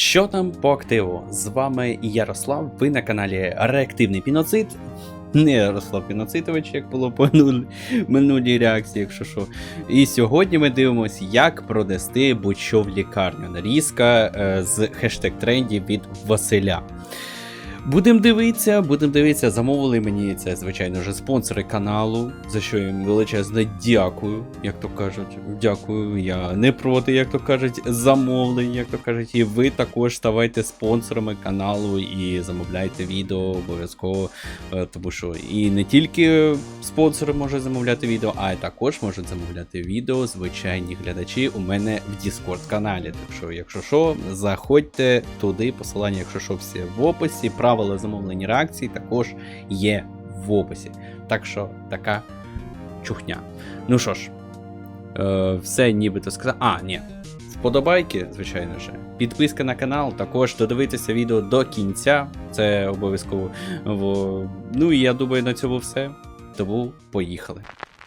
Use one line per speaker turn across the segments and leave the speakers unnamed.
Що там по активу? З вами Ярослав, ви на каналі Реактивний Піноцид. Не Ярослав Піноцитович, як було по минулій реакції, якщо що. І сьогодні ми дивимося, як продасти будь-що в лікарню. Нарізка з хештег-трендів від Василя. Будемо дивитися, замовили мені це, звичайно вже спонсори каналу, за що їм величезне дякую, як то кажуть, дякую, я не проти, як то кажуть, замовлень, як то кажуть, і ви також ставайте спонсорами каналу і замовляйте відео обов'язково, тому що і не тільки спонсори можуть замовляти відео, а й також можуть замовляти відео звичайні глядачі у мене в Discord каналі, так що, якщо що, заходьте туди, посилання, якщо що, всі в описі. Правила замовлення реакцій також є в описі. Так що така чухня. Ну що ж, все нібито сказав. Ні. Вподобайки, звичайно ж. Підписка на канал, також додивитися відео до кінця. Це обов'язково. Ну і я думаю, на цьому все. Тому поїхали.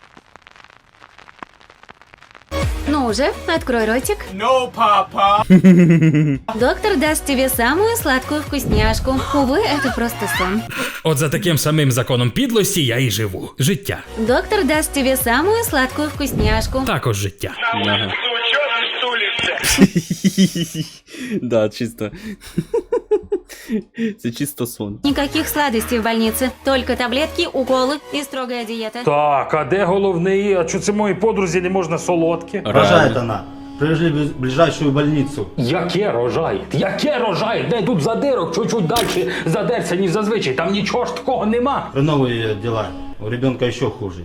Ну уже, открой ротик.
No, папа!
Доктор даст тебе самую сладкую вкусняшку. Увы, это просто сон.
От за таким самим законом підлості я і живу. Життя.
Доктор даст тебе самую сладкую вкусняшку.
Також життя.
Ага. Да, чисто. Це чисто сон.
Никаких сладостей в больнице, только таблетки, уколы и строгая диета.
Так, а де головний? А чого це моїй подрузі не можна солодке?
Рожает она. Привезли в ближайшую больницу.
Яке рожай? Яке рожай? Де тут задирок? Чуть-чуть далі задерся, ніж зазвичай. Там нічого ж такого нема.
Хреновые дела. У ребенка еще хуже.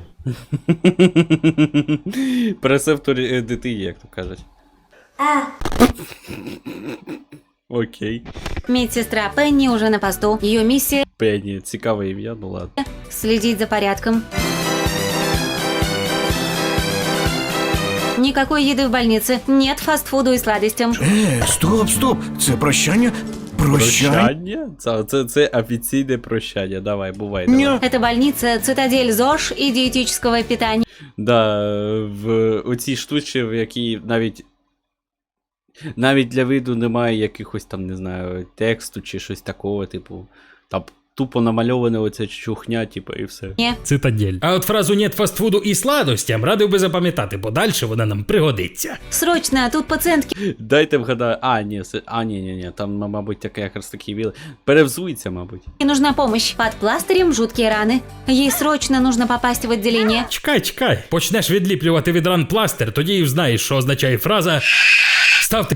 Пресептор дитині, як то кажуть. Окей.
Медсестра Пенни уже на посту. Ее миссия
Пенні, цікаве ім'я, ну ладно.
– следить за порядком. Никакой еды в больнице, нет фастфуду и сладостям.
Стоп, це прощання?
Прощання? Це офіційне прощання, давай, бувай. Давай.
Это больница, цитадель ЗОЖ и диетического питания.
Да, в оцій штучці, в якій навіть для виду немає якихось там, не знаю, тексту чи щось такого, типу, там тупо намальоване оця чухня, типу, і все.
Цитадель. А от фразу «нет фастфуду і сладостям» радив би запам'ятати, бо далі вона нам пригодиться.
Срочно, тут пациентки.
Дайте вгадаю, ні, там, мабуть, таке якраз такий віл. Перевзується, мабуть.
Нужна помощь. Под пластырем жуткие раны. Ей срочно нужно попасть в отделение.
Чекай. Почнеш відліплювати від ран пластир, тоді і знаєш, що означає фраза «ставте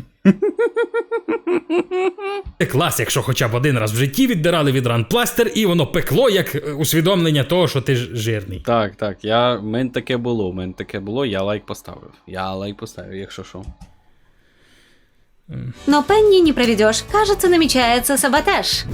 клас», якщо хоча б один раз в житті віддирали від ран пластир, і воно пекло, як усвідомлення того, що ти жирний.
Так, в мене таке було, я лайк поставив, якщо що.
Но Пенни не проведешь. Кажется, намечается саботаж.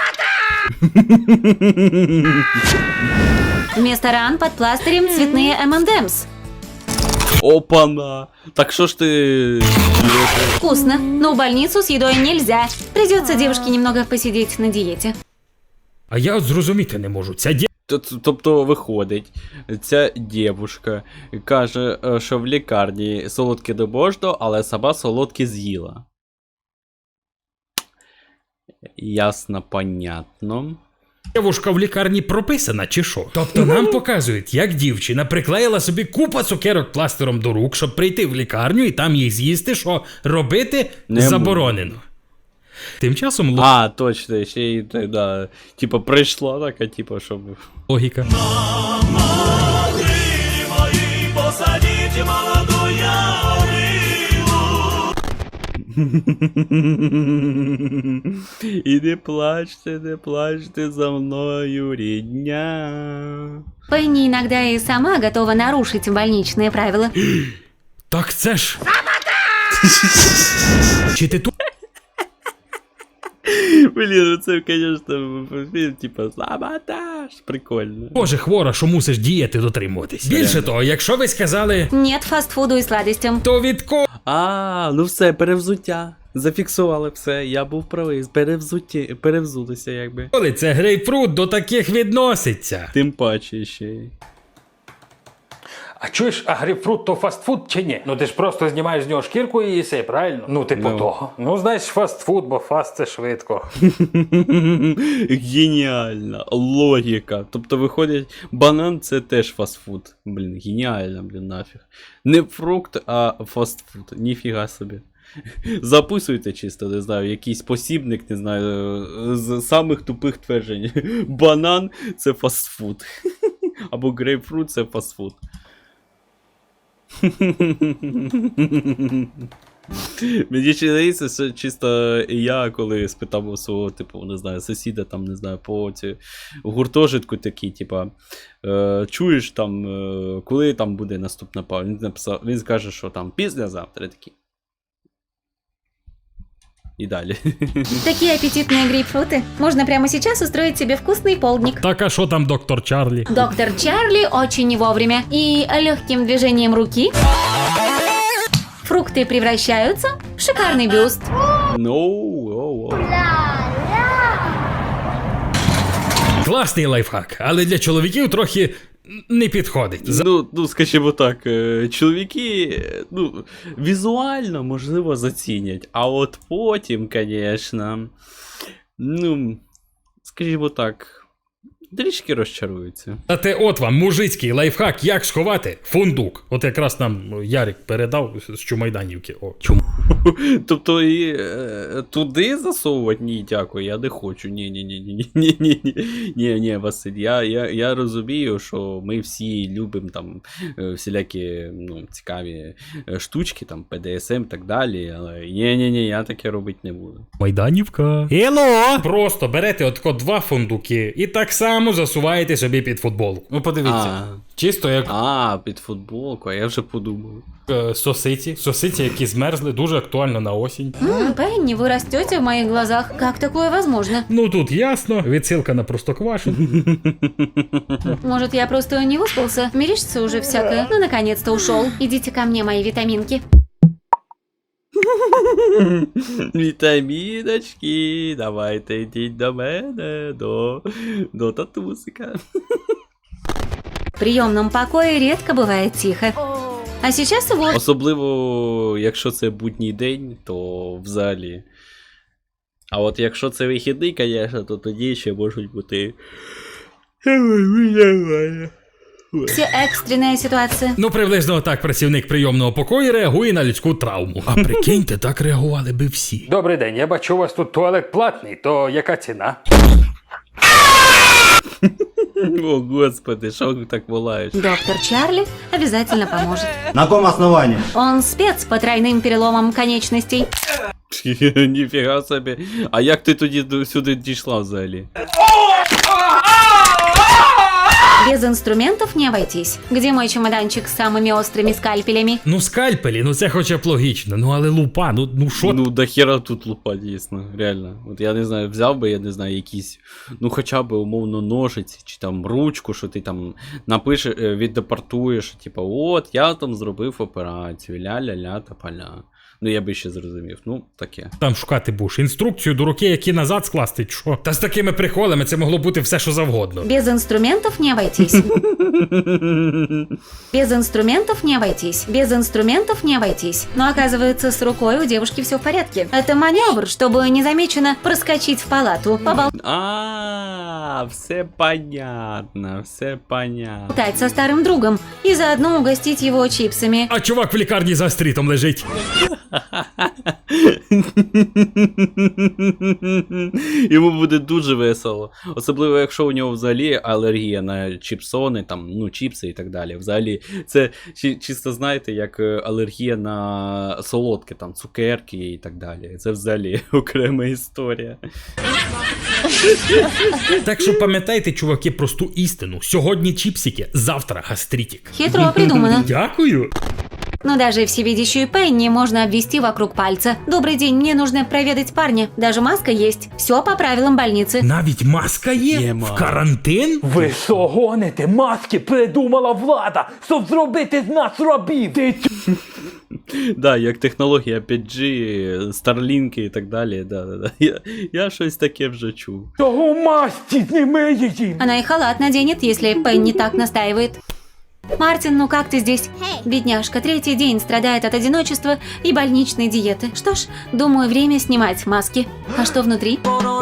Вместо ран под пластырем цветные M&M's.
Опана! Так що ж ти...
Вкусно, но в больницу с едой нельзя. Придется девушке немного посидеть на диете.
А я от зрозуміти не можу. Ця
Тобто виходить, ця дівушка каже, що в лікарні солодке не можна, але сама солодке з'їла. Ясно, понятно.
дівушка в лікарні прописана, чи що? Тобто нам показують, як дівчина приклеїла собі купа цукерок пластиром до рук, щоб прийти в лікарню і там їх з'їсти, що робити
не
заборонено. Тим часом
точно, ще й, да, типа прийшла така, типа, щоб...
логіка.
І не плачте за мною, рідня.
Пенни иногда и сама готова нарушить больничные правила.
Так це ж... Чи ти тут?
Блін, це, конечно, типа, саботаж. Прикольно.
Боже, хвора, що мусиш дієти дотримуватись. Більше того, якщо ви сказали...
Нет фастфуду и сладостям.
То від кого?
Ну все, перевзуття. Зафіксували все, я був правий, перевзулися, якби.
Коли це грейпфрут до таких відноситься?
Тим паче ще й.
А чуєш, а грейпфрут то фастфуд чи ні? Ну ти ж просто знімаєш з нього шкірку і їси, правильно? Ну типу того. Ну знаєш, фастфуд, бо фаст це швидко.
Геніальна логіка. Тобто виходить, банан це теж фастфуд. Блін, геніально, блін, нафіг. Не фрукт, а фастфуд. Ніфіга собі. Записуйте чисто, не знаю, якийсь посібник, не знаю, з самих тупих тверджень. Банан це фастфуд. Або грейпфрут це фастфуд. Мені здається, що чисто я, коли спитав у свого, типу, не знаю, сусіда, там, не знаю, по гуртожитку такий, типа, чуєш там, коли там буде наступна пара? Він скаже, що там післязавтра такий. И далее.
Такие аппетитные грейпфруты. Можно прямо сейчас устроить себе вкусный полдник.
Так, а що там доктор Чарлі?
Доктор Чарли очень не вовремя. И легким движением руки фрукты превращаются в шикарный бюст.
Класний лайфхак, але для чоловіків трохи не підходить.
Ну, скажімо так, чоловіки, ну, візуально, можливо, зацінять, а от потім, звісно, ну, скажімо так, трішки розчаруються.
Зате от вам мужицький лайфхак, як сховати фундук. От якраз нам Ярик передав з Чумайданівки. О,
Тобто і туди засовувати? Ні, дякую, я не хочу. Ні, Василь, я розумію, що ми всі любимо там всілякі, ну, цікаві штучки, там, ПДСМ і так далі, але ні, я таке робити не буду.
Майданівка. Hello! Просто берете отко 2 фундуки і так само засуваєте собі під футболку. Ну подивіться. Чисто як
Під футболку, а я вже подумав.
Сосиці, які змерзли, дуже актуально на осінь.
Пенни, вы растете в моих глазах. Как такое возможно?
Ну тут ясно, відсилка на Простоквашино.
Может, я просто не выспался? Мерещится уже всякое. Ну, наконец-то ушел. Идите ко мне, мои витаминки.
Вітаміночки, давайте йдіть до мене, до татусика.
В приемном покое редко бывает тихо. А сейчас вот.
Особливо, якщо це будній день, то взагалі. А от якщо це вихідний, звісно, то тоді ще можуть бути.
Все экстренная ситуация.
Ну, приблизно так працівник прийомного покою реагує на людську травму. А прикиньте, так реагували би всі.
Добрий день, я бачу, у вас тут туалет платний, то яка ціна?
О, господи, що ви так волаєш?
Доктор Чарли обязательно поможет.
На каком основании?
Он спец по тройным переломам конечностей.
Ніфіга собі. А як ти тоді сюди дійшла взагалі?
Без инструментов не обойтись. Где мой чемоданчик с самыми острыми скальпелями?
Ну, скальпелі, ну це хоча б логічно. Ну, але лупа, ну що?
Ну, до хера тут лупа, дійсно, реально. От я не знаю, взяв би, я не знаю, якісь, ну хоча б умовно ножиці, чи там ручку, що ти там напишеш, віддепортуєш, типу, от, я там зробив операцію, ля-ля-ля та поля. Ну, я би ще зрозумів, ну, таке.
Там шукати будеш інструкцію до руки, які назад скласти, що? Та з такими приколами це могло бути все, що завгодно.
Без инструментов не обойтись. Без инструментов не обойтись. Без инструментов не обойтись. Но оказывается, с рукой у девушки все в порядке. Это маневр, чтобы незамеченно проскочить в палату,
Все понятно, все понятно.
поболтать со старым другом и заодно угостить его чипсами.
А чувак в лікарні за стрітом лежить.
Йому буде дуже весело. Особливо, якщо у нього взагалі алергія на чіпсони, там, ну, чіпси і так далі. Взагалі, це чисто, знаєте, як алергія на солодке, там, цукерки і так далі. Це взагалі окрема історія.
Так що пам'ятайте, чуваки, просту істину. Сьогодні чіпсики, завтра гастритик.
Хитро придумано.
Дякую.
Но даже всевидящую Пенни можно обвести вокруг пальца. Добрый день, мне нужно проведать парня. Даже маска есть. Все по правилам больницы.
Навіть маска є?
Є,
В карантин?
Ви що гоните? Маски придумала влада, щоб зробити з нас рабів.
Да, як технологія 5G, Starlink і так далі. Да. Я щось таке вже чув.
Чого масті зніми її?
Она и халат наденет, если Пенни так настаивает. Мартин, ну как ты здесь? Бедняжка, 3-й день страдает от одиночества и больничной диеты. Что ж, думаю, время снимать маски. А что внутри?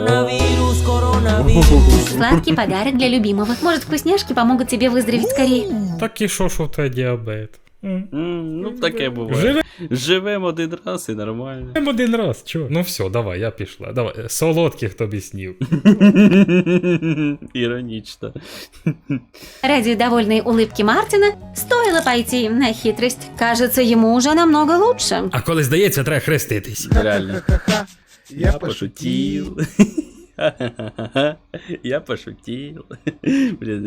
Сладкий подарок для любимого. Может, вкусняшки помогут тебе выздороветь скорее?
Так і що в тебе діабет?
Ну, таке буває.
Живе
Живемо один раз і нормально.
один раз, чого? Ну все, давай, я пішла. Давай, солодких тобі снів.
Іронічно.
Ради довольной улыбки Мартина стоило пойти на хитрость. Кажется, ему уже намного лучше.
А коли здається, треба хреститись.
Реально. Я пошутил. Я пошутил. Блін.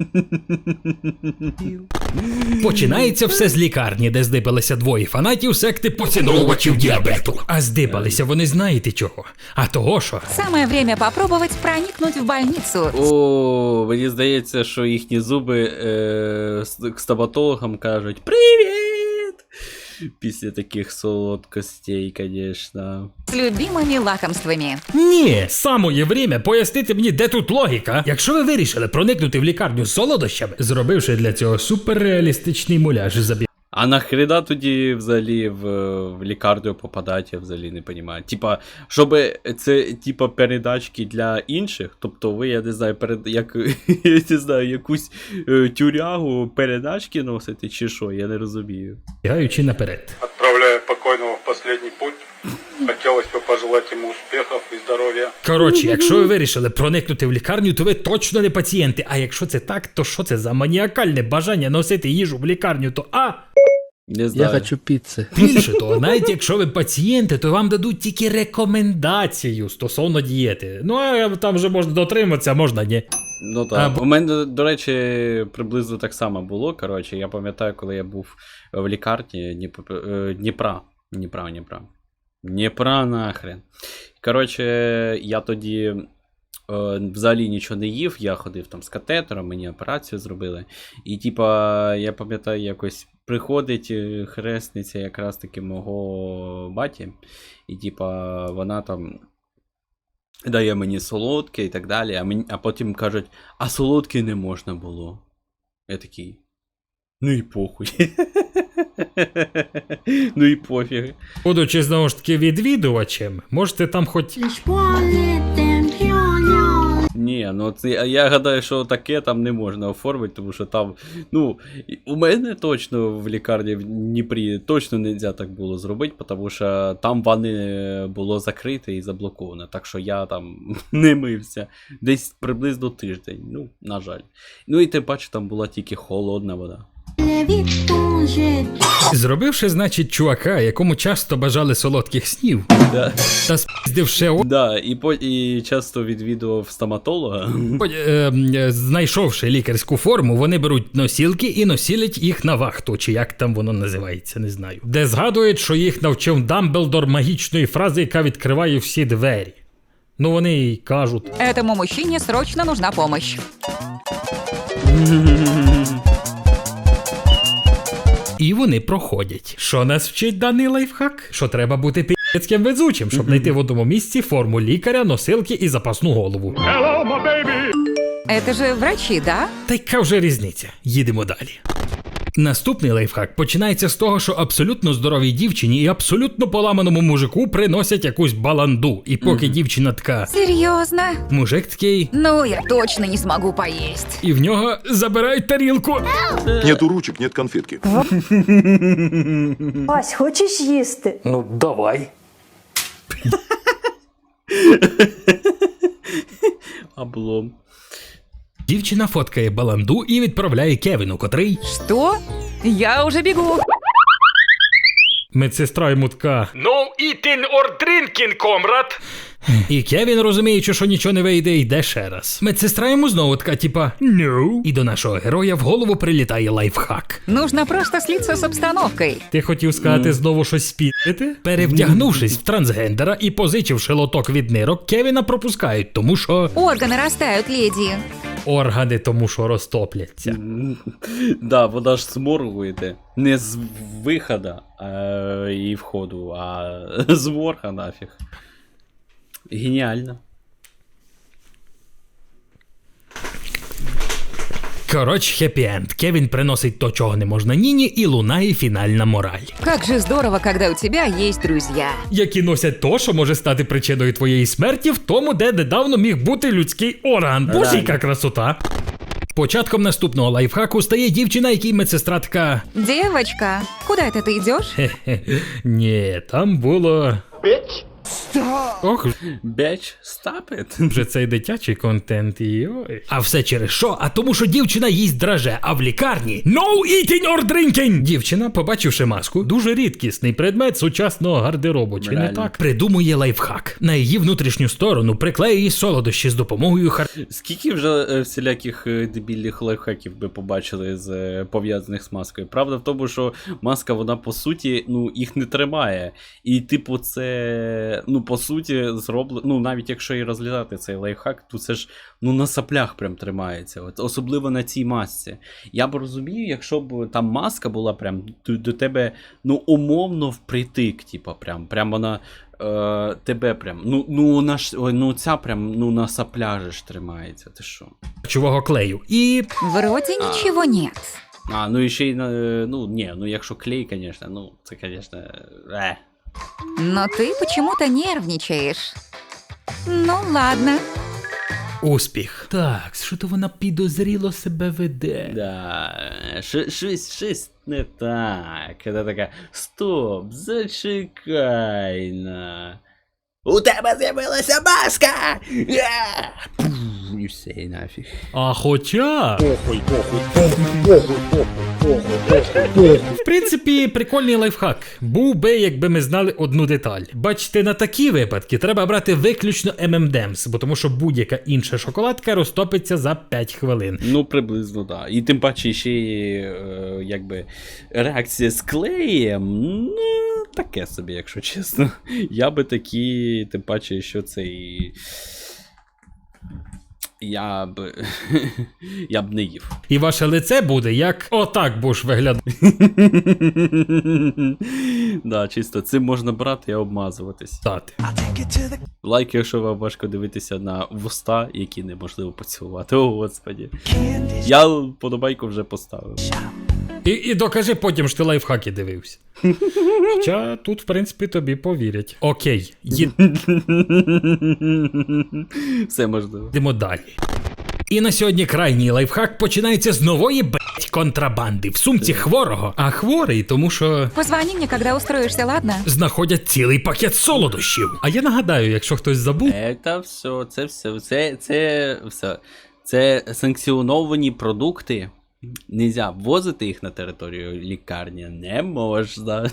Починається все з лікарні, де здибалися двоє фанатів секти поціновувачів діабету. А здибалися вони знаєте чого? А того що?
Самое время попробовать проникнуть в больницу.
О, мені здається, що їхні зуби к стоматологам кажуть «Привіт!» Після таких солодкостей, звісно.
С любимыми лакомствами.
Ні, самое время пояснити мені, де тут логіка. Якщо ви вирішили проникнути в лікарню з солодощами, зробивши для цього суперреалістичний муляж забіг.
А нахрена тоді взагалі в лікарню попадати, я взагалі не розумію. Типа, щоб це типа передачки для інших, тобто ви, я не знаю, як я не знаю, якусь тюрягу передачки носите чи що, я не розумію.
Бігаючи наперед.
Отправляя покойного в последний путь, хотелось бы пожелать ему успехов и здоровья.
Коротше, якщо ви вирішили проникнути в лікарню, то ви точно не пацієнти. А якщо це так, то що це за маніакальне бажання носити їжу в лікарню, то
Не знаю.
Я хочу пиццы.
Більше того, навіть якщо ви пацієнти, то вам дадуть тільки рекомендацію стосовно дієти. Ну, а там вже можна дотриматися, а можна ні.
Ну так. У мене, до речі, приблизно так само було. Коротше, я пам'ятаю, коли я був в лікарні Дніпра нахрен. Коротше, я тоді взагалі нічого не їв, я ходив там з катетером, мені операцію зробили. І типа, я пам'ятаю, якось приходить хресниця якраз таки мого баті. І типа, вона там дає мені солодке і так далі, а потім кажуть, а солодке не можна було. Я такий, ну і похуй. Ну і пофіг.
Будучи знову ж таки відвідувачем, можете там хоч...
Ні, ну це, я гадаю, що таке там не можна оформити, тому що там, ну, у мене точно в лікарні в Дніпрі точно не можна так було зробити, тому що там ванни було закрите і заблоковано, так що я там не мився десь приблизно тиждень, ну, на жаль. Ну і тим паче там була тільки холодна вода.
Зробивши, значить, чувака, якому часто бажали солодких снів,
Да.
та спіздивши
Да, і часто відвідував стоматолога.
знайшовши лікарську форму, вони беруть носілки і носілять їх на вахту, чи як там воно називається, не знаю. Де згадують, що їх навчив Дамблдор магічної фрази, яка відкриває всі двері. Ну вони й кажуть.
Этому мужчине срочно нужна помощь.
І вони проходять. Що нас вчить даний лайфхак? Що треба бути пі***цьким везучим, щоб знайти в одному місці форму лікаря, носилки і запасну голову.
Это же врачи, да?
Та яка вже різниця? Їдемо далі. Наступний лайфхак починається з того, що абсолютно здоровій дівчині і абсолютно поламаному мужику приносять якусь баланду. І поки дівчина така,
Серьезно?
мужик такий,
Ну, я точно не смогу поесть.
і в нього забирають тарілку.
Нету ручек, нет конфетки.
Вась, хочеш їсти?
Ну, давай.
Облом.
Дівчина фоткає баланду і відправляє Кевіну, котрий...
Что? Я уже бегу.
Медсестра йому така «No eating or drinking, комрад!» І Кевін, розуміючи, що нічого не вийде, йде ще раз. Медсестра йому знову така, типа «No». І до нашого героя в голову прилітає лайфхак.
Нужно просто слиться с обстановкой.
Ти хотів сказати знову щось спідити? Перевдягнувшись в трансгендера і позичивши лоток від нирок, Кевіна пропускають, тому що...
Органы растают, леди.
Органи тому що розтопляться.
Да, вона ж зморгуєте. Не з виходу і входу, а з морга нафіг. Геніально.
Коротше, хеппі-енд. Кевін приносить то, чого не можна Ніні, і лунає фінальна мораль.
Как же здорово, когда у тебя есть друзья.
Які носять то, що може стати причиною твоєї смерті в тому, де недавно міг бути людський орган. Боже, яка красота! Початком наступного лайфхаку стає дівчина, якій медсестра така...
Девочка, куда это ты идешь?
Ні, там було... Ох,
Bitch, stop it.
вже цей дитячий контент, йой. А все через що? А тому, що дівчина їсть драже, а в лікарні no eating or drinking! Дівчина, побачивши маску, дуже рідкісний предмет сучасного гардеробу, чи не
Реально.
так? Придумує лайфхак. На її внутрішню сторону приклеює солодощі з допомогою
Скільки вже всіляких дебільних лайфхаків ви побачили пов'язаних з маскою? Правда в тому, що маска, вона по суті, ну, їх не тримає. І, типу, це, ну, по суті, зроблено, ну, навіть якщо і розглядати цей лайфхак, то це ж, ну, на соплях прям тримається. От, особливо на цій масці. Я б розумію, якщо б там маска була прям до тебе, ну, умовно впритик, типу, прям вона... тебе прям, ну ця прям, ну на сапляжі ж тримається, ти що?
харчового клею. І...
Вроде ничего нет.
Ну і ще й, ну якщо клей, конечно, ну це, конечно,
Но ты почему-то нервничаешь. Ну ладно.
Успіх. Так, що то вона підозріло себе веде.
Да, щось не так. Це така, стоп, зачекай на. У тебе з'явилася маска! І все, і нафіг.
А хоча... В принципі, прикольний лайфхак. Був би, якби ми знали одну деталь. Бачите, на такі випадки треба брати виключно M&M's, бо тому що будь-яка інша шоколадка розтопиться за 5 хвилин.
Ну, приблизно, так. Да. І тим паче ще якби реакція з клеєм, ну, таке собі, якщо чесно. Я би такі, тим паче, що це і... Я б не їв.
І ваше лице буде як отак будеш виглядати.
Да, чисто цим можна брати і обмазуватись. Лайк, якщо вам важко дивитися на вуста, які неможливо поцілувати. О, господі. Я подобайку вже поставив.
І докажи потім, що ти лайфхаки дивився. Хоча тут, в принципі, тобі повірять. Окей,
Все можливо.
йдемо далі. І на сьогодні крайній лайфхак починається з нової контрабанди в сумці хворого. А хворий, тому що
Позвони мне, когда устроишься, ладно?
знаходять цілий пакет солодощів. А я нагадаю, якщо хтось забув,
Це все. Це санкціоновані продукти. Нельзя ввозити їх на територію лікарні. Не можна.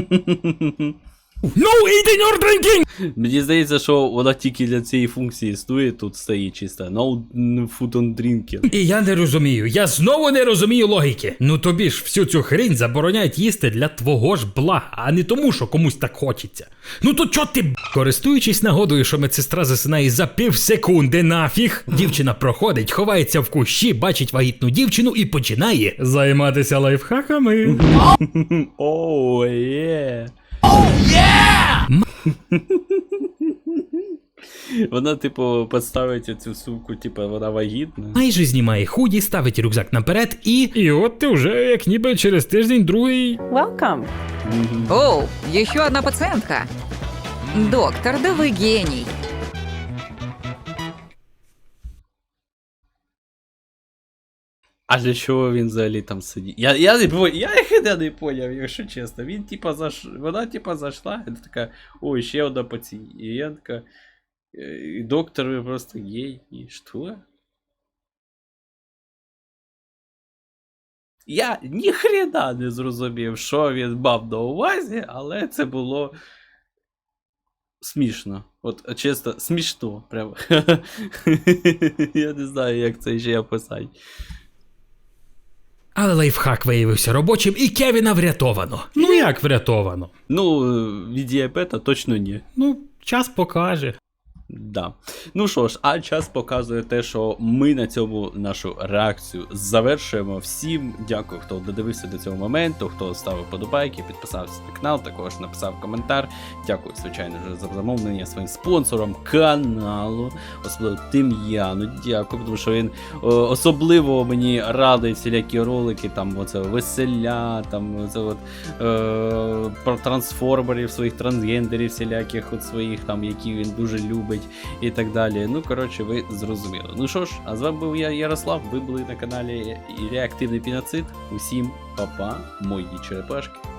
no eating or drinking!
Мені здається, що вона тільки для цієї функції існує, тут стоїть чисто. No food on drinking.
І я не розумію, я знову не розумію логіки. Ну тобі ж всю цю хрінь забороняють їсти для твого ж блага, а не тому, що комусь так хочеться. Ну то чо ти Користуючись нагодою, що медсестра засинає за півсекунди нафіг, дівчина проходить, ховається в кущі, бачить вагітну дівчину і починає займатися лайфхаками.
Оу, є. Вона, типу, підставить цю сумку, типу, вона вагітна.
Майже знімає худі, ставить рюкзак наперед і от ти вже як ніби через тиждень другий.
Оу, еще одна пациентка. Доктор, да вы гений.
А для чого він взагалі там сидить? Я не поняв, якщо чесно. Він, типа, вона, типа, зайшла, і така, ой, ще одна пацієнт. І я така, доктор, ви просто гей. І що? Я ніхрена не зрозумів, що він мав на увазі, але це було смішно. От, чесно, смішно. Прямо. Я не знаю, як це ще описати.
Але лайфхак виявився робочим, і Кевіна врятовано. Ну як врятовано?
Ну, від діабета точно ні.
Ну, час покаже.
Да. Ну що ж, а час показує те, що ми на цьому нашу реакцію завершуємо. Всім дякую, хто додивився до цього моменту, хто ставив подобайки, підписався на канал, також написав коментар. Дякую, звичайно ж, за замовлення своїм спонсорам каналу, особливо Тим'яну. Дякую, тому що він особливо мені радить всілякі ролики, там оце веселя, там оце от про трансформерів, своїх трансгендерів, всіляких от своїх там, які він дуже любить і так далі. Ну, коротше, ви зрозуміли. Ну що ж, а з вами був я, Ярослав, ви були на каналі Реактивний Піноцид. Усім па-па, мої черепашки.